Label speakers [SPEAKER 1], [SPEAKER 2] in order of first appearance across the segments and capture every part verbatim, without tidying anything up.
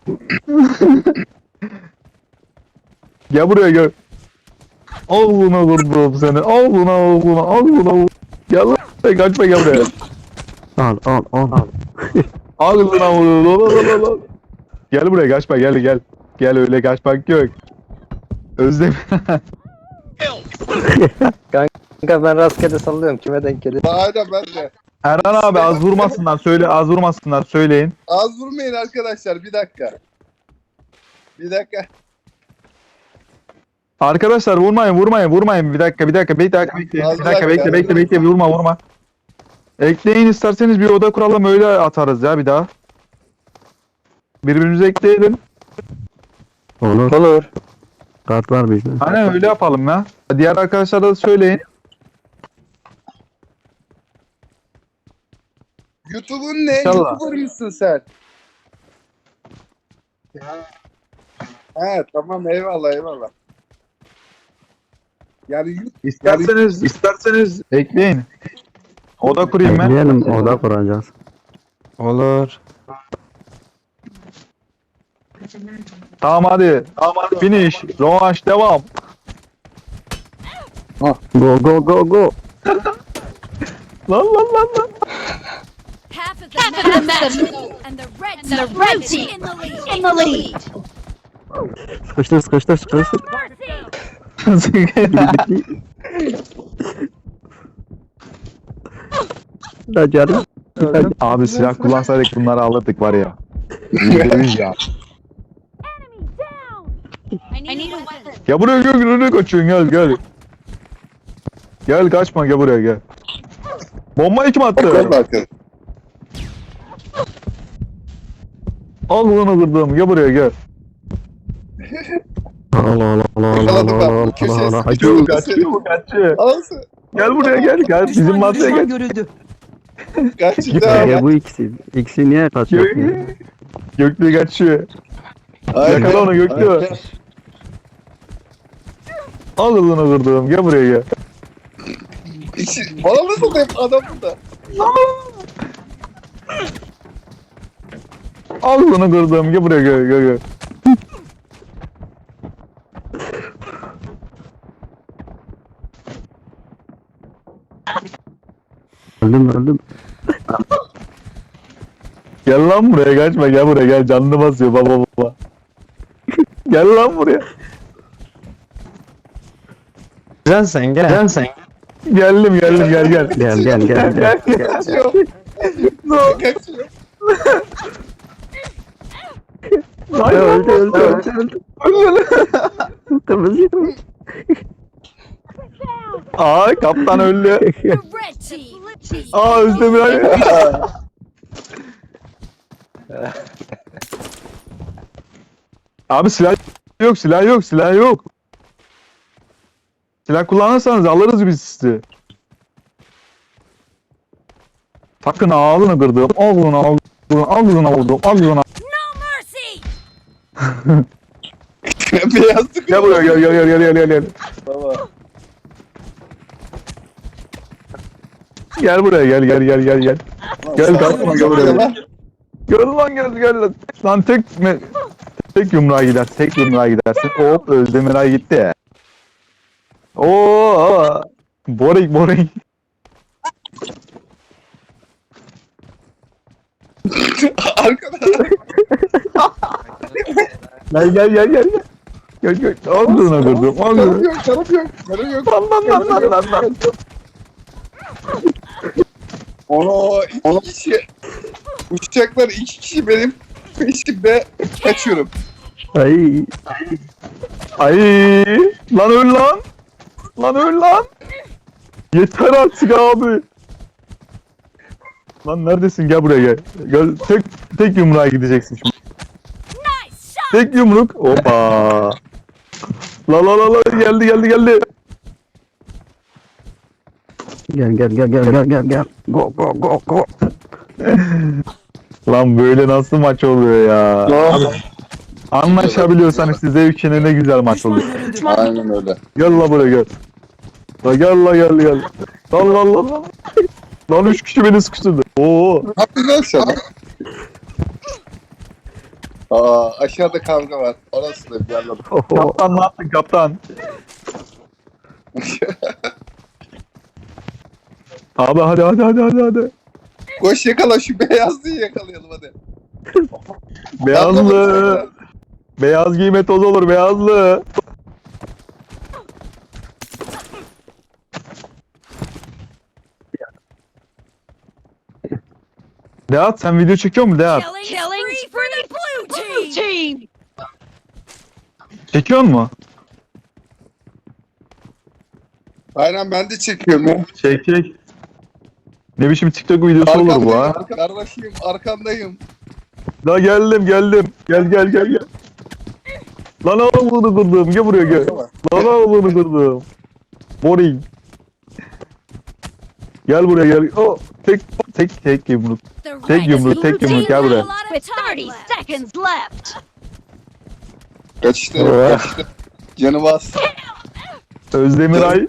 [SPEAKER 1] Gel buraya gel. Al buna vurdum seni. Al buna al buna al buna. Gel lan. Kaçma gel buraya.
[SPEAKER 2] Al al al. al.
[SPEAKER 1] Al buna vur. Gel buraya kaçma gel gel. Gel öyle kaçmak yok. Özlem.
[SPEAKER 3] Kanka ben rastgele sallıyorum. Kime denk gelir?
[SPEAKER 4] Aynen ben de.
[SPEAKER 1] Erhan abi az vurmasınlar söyle az vurmasınlar söyleyin.
[SPEAKER 4] Az vurmayın arkadaşlar bir dakika. Bir dakika.
[SPEAKER 1] Arkadaşlar vurmayın vurmayın vurmayın bir dakika bir dakika bir dakika bekle
[SPEAKER 4] Az
[SPEAKER 1] bir dakika bekle
[SPEAKER 4] dakika.
[SPEAKER 1] bekle bekle vurma vurma. Ekleyin isterseniz bir oda kuralım öyle atarız ya bir daha. Birbirimize ekleyelim.
[SPEAKER 2] Olur.
[SPEAKER 3] Olur.
[SPEAKER 2] Kart var bizde.
[SPEAKER 1] Aynen öyle yapalım ya. Diğer arkadaşlara da söyleyin.
[SPEAKER 4] YouTube'un ne?
[SPEAKER 1] İnşallah.
[SPEAKER 4] YouTuber mısın sen? He tamam eyvallah eyvallah. Yani YouTube
[SPEAKER 1] İsterseniz isterseniz ekleyin. Oda kurayım ben.
[SPEAKER 2] Ekleyelim oda kuracağız.
[SPEAKER 1] Olur. Tamam hadi. Tamam hadi. Finish. Rövanş devam.
[SPEAKER 2] Go go go go.
[SPEAKER 1] Lan lan lan lan.
[SPEAKER 5] Half of the Half match, of the match and the red and the red team in the lead. In the lead.
[SPEAKER 2] Sıkıştır sıkıştır sıkıştır. Da canım.
[SPEAKER 1] Abi silah kullansaydık bunları alırdık var ya. Yüzde yüz ya.
[SPEAKER 5] I need a weapon.
[SPEAKER 1] Gel buraya gel gel kaçıyorsun gel gel. Gel kaçma gel buraya gel. Bombayı kim attı?
[SPEAKER 4] Bakın bakın.
[SPEAKER 1] Al bunu kırdım gel buraya gel.
[SPEAKER 2] Al al al al al
[SPEAKER 4] Yakaladım ben
[SPEAKER 2] al
[SPEAKER 4] bunu
[SPEAKER 2] al
[SPEAKER 4] köşeye
[SPEAKER 2] al al.
[SPEAKER 4] sıkıştırdım.
[SPEAKER 1] Kaçıyor bu kaçıyor.
[SPEAKER 4] Alsın.
[SPEAKER 1] Gel buraya gel gel bizim masaya gel.
[SPEAKER 6] görüldü.
[SPEAKER 4] Kaç
[SPEAKER 2] Ya bu ikisi. İkisi niye kaçıyor?
[SPEAKER 1] Gö- Göklü kaçıyor.
[SPEAKER 4] Aynen.
[SPEAKER 1] Yakala onu Göklü. Al bunu kırdım gel buraya gel.
[SPEAKER 4] İçi- Bana nasıl hep adam burada?
[SPEAKER 1] Al bunu kırdım gel buraya gel gel gel.
[SPEAKER 2] Öldüm öldüm.
[SPEAKER 1] Gel lan buraya kaçma gel buraya gel canını basıyor baba baba. Gel lan buraya.
[SPEAKER 3] Sen sen gel. Sen sen.
[SPEAKER 1] Geldim geldim gel gel.
[SPEAKER 2] Gel gel gel gel.
[SPEAKER 4] Kaçıyor. Kaçıyor.
[SPEAKER 1] Hayır,
[SPEAKER 2] Öldü öldü öldü öldü. Kırmızı kırmızı.
[SPEAKER 1] Aa kaptan öldü.
[SPEAKER 5] The red team.
[SPEAKER 1] Aa Özdemir abi. Abi silah yok silah yok silah yok. Silah kullanırsanız alırız biz sizi. Takın ağzını kırdım. Al bunu al bunu al bunu vurdum. Al bunu.
[SPEAKER 5] No mercy.
[SPEAKER 4] Beyaz tıkı.
[SPEAKER 1] Gel buraya gel gel gel gel gel gel.
[SPEAKER 4] Tamam.
[SPEAKER 1] Gel buraya gel gel gel gel gel. Gel kalkma gel buraya. Gel lan gel gel lan. Lan tek me- tek yumruğa gider. Tek yumruğa gidersin. Hop Özdemir ay gitti. Oo! Boring boring.
[SPEAKER 4] Arkada.
[SPEAKER 1] Gel gel gel gel. Gel gel. Al bunu kırdım. Al
[SPEAKER 4] Canım
[SPEAKER 1] bunu.
[SPEAKER 4] yok, canım yok, canım yok.
[SPEAKER 1] Lan lan lan lan lan lan.
[SPEAKER 4] Ono iki kişi. Uçacaklar iki kişi benim peşimde kaçıyorum.
[SPEAKER 2] Ay.
[SPEAKER 1] Ay! Lan öl lan. Lan öl lan. Yeter artık abi. Lan neredesin? Gel buraya gel. Gel tek tek yumruğa gideceksin şimdi.
[SPEAKER 5] Nice shot.
[SPEAKER 1] Tek yumruk. Hoppa. La la la la geldi geldi geldi.
[SPEAKER 2] Gel gel gel gel gel gel gel. Go go go go.
[SPEAKER 1] Lan böyle nasıl maç oluyor ya? Anlaşabiliyorsan işte zevkine ne güzel maç
[SPEAKER 6] Düşman
[SPEAKER 1] oluyor.
[SPEAKER 6] görüldü.
[SPEAKER 4] Aynen öyle.
[SPEAKER 1] Gel la buraya gel. La gel la gel gel. Lan lan lan lan. Lan üç kişi beni sıkıştırdı. Oo.
[SPEAKER 4] Ne yapıyorsun lan sen? Aa aşağıda kavga var. Orası da bir anladım.
[SPEAKER 2] Oho.
[SPEAKER 1] Kaptan ne yaptın kaptan? Abi hadi hadi hadi hadi hadi.
[SPEAKER 4] Koş yakala şu beyazlıyı yakalayalım hadi.
[SPEAKER 1] Beyazlı. Beyaz giyme toz olur beyazlı. Deat sen video çekiyor musun Deat?
[SPEAKER 5] Killing, Killing for the blue team.
[SPEAKER 1] Çekiyor mu?
[SPEAKER 4] Aynen ben de çekiyorum ya.
[SPEAKER 1] Çek çek. Ne biçim TikTok videosu olur bu ha?
[SPEAKER 4] Arkandayım, Kardeşim arkandayım.
[SPEAKER 1] La geldim geldim. Gel gel gel gel. Lan oğlunu kırdım. Gel buraya gel. Lan oğlunu kırdım. Boring. Gel buraya gel. Oh, tek tek tek yumruk.
[SPEAKER 5] The
[SPEAKER 1] Tek
[SPEAKER 5] red
[SPEAKER 1] yumruk, tek
[SPEAKER 5] team
[SPEAKER 1] yumruk, gel
[SPEAKER 5] has
[SPEAKER 1] buraya.
[SPEAKER 5] a lot of
[SPEAKER 6] With
[SPEAKER 5] time
[SPEAKER 6] thirty
[SPEAKER 5] left.
[SPEAKER 6] seconds left.
[SPEAKER 4] Kaçtı
[SPEAKER 2] Oh.
[SPEAKER 4] kaçtı. Canı bas.
[SPEAKER 1] Özdemiray.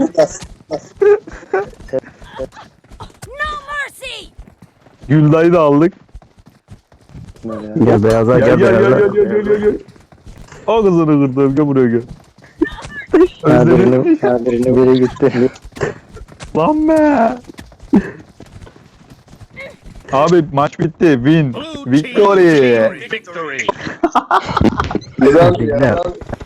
[SPEAKER 5] No mercy.
[SPEAKER 1] Gülday'ı da aldık.
[SPEAKER 2] Gel beyaza
[SPEAKER 1] Gel
[SPEAKER 2] gel
[SPEAKER 1] gel gel
[SPEAKER 2] beyaza.
[SPEAKER 1] gel gel gel gel. O kızını kırdım. Gel buraya gel.
[SPEAKER 3] Ha
[SPEAKER 1] Özdemir.
[SPEAKER 3] birini, ha birini biri gitti.
[SPEAKER 1] Lan be. Abi maç bitti. Win. Victory.
[SPEAKER 7] Victory.
[SPEAKER 4] Güzel
[SPEAKER 2] Güzel.
[SPEAKER 4] ya.